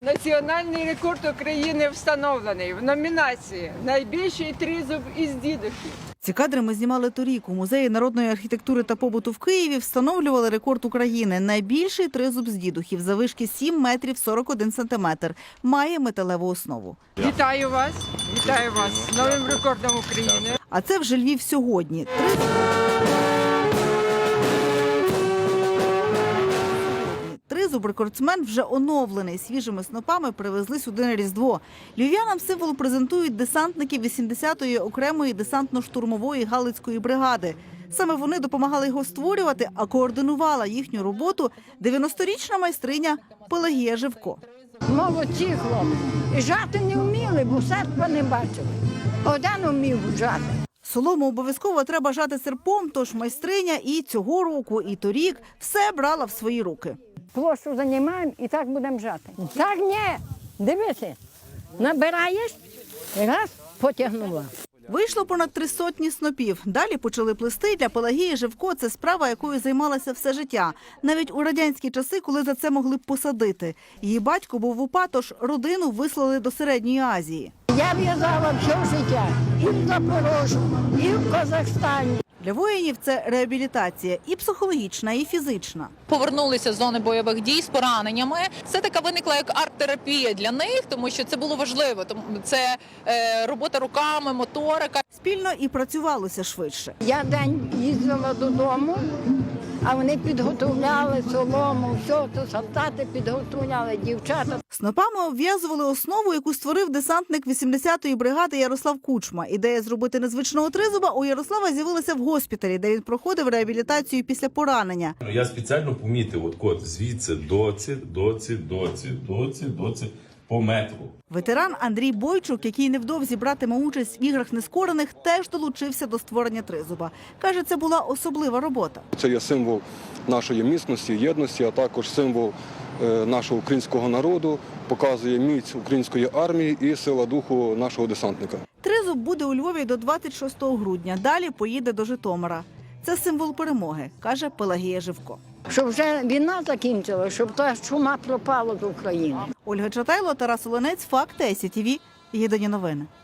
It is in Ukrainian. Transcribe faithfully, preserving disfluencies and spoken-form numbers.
Національний рекорд України встановлений в номінації «Найбільший тризуб із дідухів». Ці кадри ми знімали торік. У Музеї народної архітектури та побуту в Києві встановлювали рекорд України. Найбільший тризуб з дідухів заввишки сім метрів сорок один сантиметр. Має металеву основу. Вітаю вас, вітаю вас з новим рекордом України. А це вже Львів сьогодні. Тризуб... Тризуб-рекордсмен вже оновлений. Свіжими снопами привезли сюди на Різдво. Львів'янам символ презентують десантники вісімдесятої окремої десантно-штурмової Галицької бригади. Саме вони допомагали його створювати, а координувала їхню роботу дев'яносторічна майстриня Пелагія Живко. Молодці хлопці. І жати не вміли, бо серпа не бачили. Один вмів жати. Солому обов'язково треба жати серпом, тож майстриня і цього року, і торік все брала в свої руки. Площу займаємо і так будемо жати. Так ні, дивися, набираєш, раз, потягнула. Вийшло понад три сотні снопів. Далі почали плести. Для Пелагії Живко це справа, якою займалася все життя. Навіть у радянські часи, коли за це могли б посадити. Її батько був в УПА, тож родину вислали до Середньої Азії. Я в'язала все життя і в Запорожжі, і в Казахстані. Для воїнів це реабілітація і психологічна, і фізична. Повернулися з зони бойових дій з пораненнями. Це така виникла як арт-терапія для них, тому що це було важливо. Тому це е, робота руками, моторика. Спільно і працювалося швидше. Я день їздила додому, а вони підготовляли солому, все, то солдати підготовляли, дівчата. Снопами обв'язували основу, яку створив десантник вісімдесятої бригади Ярослав Кучма. Ідея зробити незвичного тризуба у Ярослава з'явилася в госпіталі, де він проходив реабілітацію після поранення. Я спеціально помітив от код звідси доці, доці, доці, доці, доці по метру. Ветеран Андрій Бойчук, який невдовзі братиме участь в іграх нескорених, теж долучився до створення тризуба. Каже, це була особлива робота. Це є символ нашої міцності, єдності, а також символ нашого українського народу, показує міць української армії і сила духу нашого десантника. Тризуб буде у Львові до двадцять шостого грудня, далі поїде до Житомира. Це символ перемоги, каже Пелагія Живко. Щоб вже війна закінчила, щоб та чума пропала з України. Ольга Чатайло, Тарас Оленець, Факти, ай сі ті ві, Єдині новини.